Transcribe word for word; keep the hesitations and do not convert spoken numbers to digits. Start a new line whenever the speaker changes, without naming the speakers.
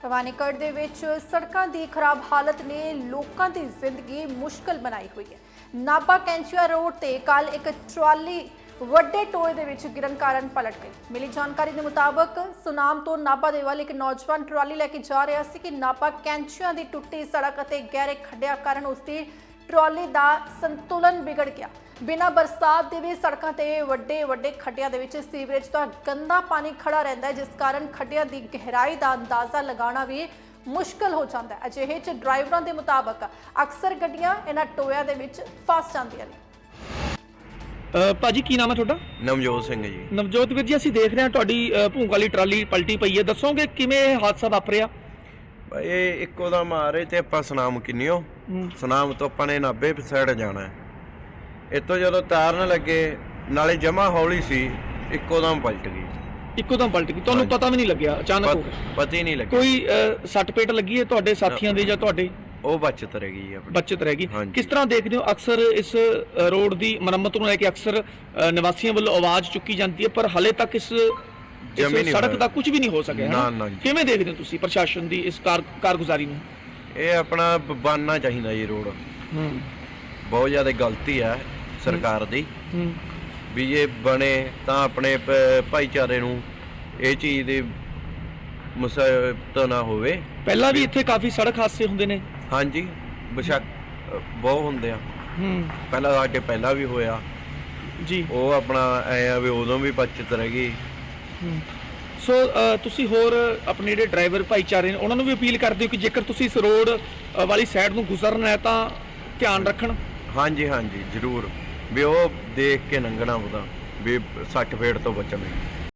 ਭਵਾਨੀਗੜ੍ਹ ਦੇ ਵਿੱਚ ਸੜਕਾਂ ਦੀ ਖਰਾਬ ਹਾਲਤ ਨੇ ਲੋਕਾਂ ਦੀ ਜ਼ਿੰਦਗੀ ਮੁਸ਼ਕਲ ਬਣਾਈ ਹੋਈ ਹੈ। ਨਾਭਾ ਕੈਂਚੀਆ ਰੋਡ ਤੇ ਕੱਲ ਇੱਕ ਟਰਾਲੀ ਵੱਡੇ ਟੋਏ ਦੇ ਵਿੱਚ ਗਿਰਨ ਕਾਰਨ ਪਲਟ ਗਈ। ਮਿਲੀ ਜਾਣਕਾਰੀ ਦੇ ਮੁਤਾਬਕ ਸੁਨਾਮ ਤੋਂ ਨਾਭਾ ਦੇ ਵੱਲ ਇੱਕ ਨੌਜਵਾਨ ਟਰਾਲੀ ਲੈ ਕੇ ਜਾ ਰਿਹਾ ਸੀ ਕਿ ਨਾਭਾ ਕੈਂਚੀਆ ਦੀ ਟੁੱਟੀ ਸੜਕ ਅਤੇ ਗਹਿਰੇ ਖੱਡਿਆਂ ਕਾਰਨ ਉਸ ਦੀ ਟਰਾਲੀ ਦਾ ਸੰਤੁਲਨ ਵਿਗੜ ਗਿਆ। ਬਿਨਾਂ ਬਰਸਾਤ ਦੇ ਵੀ ਸੜਕਾਂ ਤੇ ਵੱਡੇ ਵੱਡੇ ਖੱਡਿਆਂ ਦੇ ਵਿੱਚ ਸੀਵਰੇਜ ਦਾ ਗੰਦਾ ਪਾਣੀ ਖੜਾ ਰਹਿੰਦਾ ਹੈ, ਜਿਸ ਕਾਰਨ ਖੱਡਿਆਂ ਦੀ ਗਹਿਰਾਈ ਦਾ ਅੰਦਾਜ਼ਾ ਲਗਾਉਣਾ ਵੀ ਮੁਸ਼ਕਲ ਹੋ ਜਾਂਦਾ ਹੈ। ਅਜਿਹੇ 'ਚ ਡਰਾਈਵਰਾਂ ਦੇ ਮੁਤਾਬਕ ਅਕਸਰ ਗੱਡੀਆਂ ਇਹਨਾਂ ਟੋਇਆਂ ਦੇ ਵਿੱਚ ਫਸ ਜਾਂਦੀਆਂ ਨੇ।
ਭਾਜੀ ਕੀ ਨਾਮ ਹੈ ਤੁਹਾਡਾ?
ਨਵਜੋਤ ਸਿੰਘ ਜੀ।
ਨਵਜੋਤ ਵੀਰ ਜੀ, ਅਸੀਂ ਦੇਖ ਰਹੇ ਹਾਂ ਤੁਹਾਡੀ ਭੂੰਗ ਵਾਲੀ ਟਰਾਲੀ ਪਲਟੀ ਪਈ ਹੈ, ਦੱਸੋਗੇ ਕਿਵੇਂ ਇਹ ਹਾਦਸਾ ਵਾਪਰਿਆ?
ਇਹ ਇੱਕੋ ਦਾ ਮਾਰੇ ਤੇ ਆਪਾਂ ਸੁਨਾਮ ਕਿੰਨਿਓ ਸੁਨਾਮ ਤੋਂ ਆਪਾਂ ਨੇ ਨਾਭੇ ਸਾਈਡ ਜਾਣਾ ਹੈ। ਇੱਥੋਂ ਜਦੋਂ ਤਾਰਨ ਲੱਗੇ ਨਾਲੇ ਜਮਾ ਹੌਲੀ ਸੀ, ਇੱਕੋ ਦਮ ਪਲਟ ਗਈ।
ਇੱਕੋ ਦਮ ਪਲਟ ਗਈ, ਤੁਹਾਨੂੰ ਪਤਾ ਵੀ ਨਹੀਂ ਲੱਗਿਆ? ਅਚਾਨਕ ਹੋ ਗਿਆ?
ਪਤਾ ਹੀ ਨਹੀਂ ਲੱਗਿਆ।
ਕੋਈ ਸੱਟ ਪੇਟ ਲੱਗੀ ਹੈ ਤੁਹਾਡੇ ਸਾਥੀਆਂ ਦੇ ਜਾਂ ਤੁਹਾਡੇ?
ਉਹ ਬਚਤ ਰਹਿ ਗਈ ਆਪਣੀ।
ਬਚਤ ਰਹਿ ਗਈ। ਕਿਸ ਤਰ੍ਹਾਂ ਦੇਖਦੇ ਹੋ ਅਕਸਰ ਇਸ ਰੋਡ ਦੀ ਮੁਰੰਮਤ ਨੂੰ ਲੈ ਕੇ ਅਕਸਰ ਨਿਵਾਸੀਆਂ ਵੱਲੋਂ ਆਵਾਜ਼ ਚੁੱਕੀ ਜਾਂਦੀ ਹੈ, ਪਰ ਹਾਲੇ ਤੱਕ ਇਸ ਸੜਕ ਦਾ ਕੁਝ ਵੀ ਨਹੀਂ ਹੋ ਸਕਿਆ? ਕਿਵੇਂ ਦੇਖਦੇ ਹੋ ਤੁਸੀਂ ਪ੍ਰਸ਼ਾਸਨ ਦੀ ਇਸ ਕਾਰਗੁਜ਼ਾਰੀ ਨੂੰ?
ਇਹ ਆਪਣਾ ਬਣਨਾ ਚਾਹੀਦਾ ਜੀ ਰੋਡ। ਬਹੁਤ ਜ਼ਿਆਦਾ ਗਲਤੀ ਹੈ ਸਰਕਾਰ ਦੀ ਵੀ ਇਹ ਬਣੇ ਤਾਂ ਆਪਣੇ ਭਾਈਚਾਰੇ ਨੂੰ ਇਹ ਚੀਜ਼ ਦੀ ਮੁਸੀਬਤ ਨਾ ਹੋਵੇ।
ਪਹਿਲਾਂ ਵੀ ਇੱਥੇ ਕਾਫੀ ਸੜਕ ਹਾਦਸੇ ਹੁੰਦੇ ਨੇ।
ਹਾਂਜੀ, ਬੇਸ਼ੱਕ ਬਹੁਤ ਹੁੰਦੇ ਆ। ਪਹਿਲਾਂ ਸਾਡੇ ਪਹਿਲਾਂ ਵੀ ਹੋਇਆ
ਜੀ।
ਉਹ ਆਪਣਾ ਐ ਆ ਵੀ ਉਦੋਂ ਵੀ ਬਚਤ ਰਹਿ ਗਈ।
ਸੋ ਤੁਸੀਂ ਹੋਰ ਆਪਣੇ ਜਿਹੜੇ ਡਰਾਈਵਰ ਭਾਈਚਾਰੇ ਨੇ ਉਹਨਾਂ ਨੂੰ ਵੀ ਅਪੀਲ ਕਰਦੇ ਹੋ ਕਿ ਜੇਕਰ ਤੁਸੀਂ ਇਸ ਰੋਡ ਵਾਲੀ ਸਾਈਡ ਨੂੰ ਗੁਜ਼ਰਨਾ ਹੈ ਤਾਂ ਧਿਆਨ ਰੱਖਣ?
ਹਾਂਜੀ ਹਾਂਜੀ ਜ਼ਰੂਰ, ਵੀ ਉਹ ਦੇਖ ਕੇ ਲੰਘਣਾ ਉਹਦਾ ਵੀ ਸੱਟ ਫੇਟ ਤੋਂ ਬਚਣਾ।